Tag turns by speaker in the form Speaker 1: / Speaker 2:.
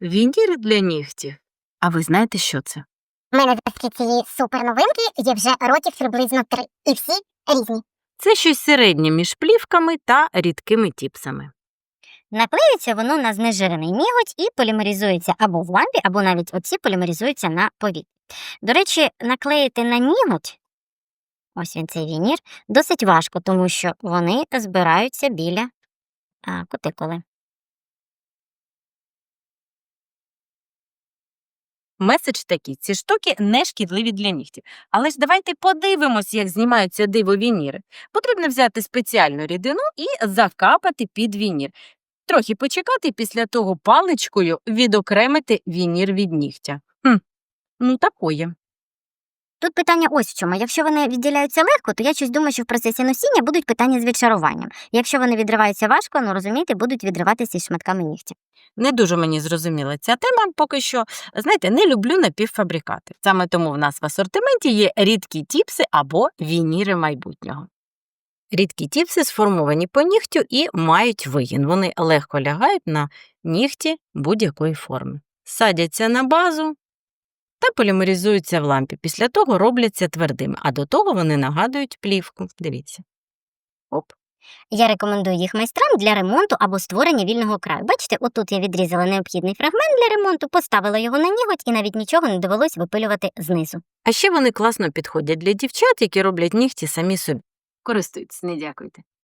Speaker 1: Вінір для нігтів. А ви знаєте, що це?
Speaker 2: У мене завдяки цієї суперновинки є вже років приблизно 3. І всі різні.
Speaker 1: Це щось середнє між плівками та рідкими тіпсами.
Speaker 3: Наклеюється воно на знежирений ніготь і полімеризується або в лампі, або навіть оці полімеризуються на повітрі. До речі, наклеїти на ніготь, ось він цей вінір, досить важко, тому що вони збираються біля кутикули.
Speaker 1: Меседж такий: ці штуки не шкідливі для нігтів. Але ж давайте подивимось, як знімаються диво-вініри. Потрібно взяти спеціальну рідину і закапати під вінір. Трохи почекати, після того паличкою відокремити вінір від нігтя. Ну такое.
Speaker 3: Тут питання ось в чому. Якщо вони відділяються легко, то я щось думаю, що в процесі носіння будуть питання з відшаруванням. Якщо вони відриваються важко, розумієте, будуть відриватися із шматками нігтя.
Speaker 1: Не дуже мені зрозуміла ця тема поки що. Знаєте, не люблю напівфабрикати. Саме тому в нас в асортименті є рідкі тіпси або вініри майбутнього. Рідкі тіпси сформовані по нігтю і мають вигін. Вони легко лягають на нігті будь-якої форми. Садяться на базу та полімеризуються в лампі. Після того робляться твердими, а до того вони нагадують плівку. Дивіться. Оп.
Speaker 3: Я рекомендую їх майстрам для ремонту або створення вільного краю. Бачите, отут я відрізала необхідний фрагмент для ремонту, поставила його на ніготь і навіть нічого не довелось випилювати знизу.
Speaker 1: А ще вони класно підходять для дівчат, які роблять нігті самі собі. Користуйтесь, не дякуйте.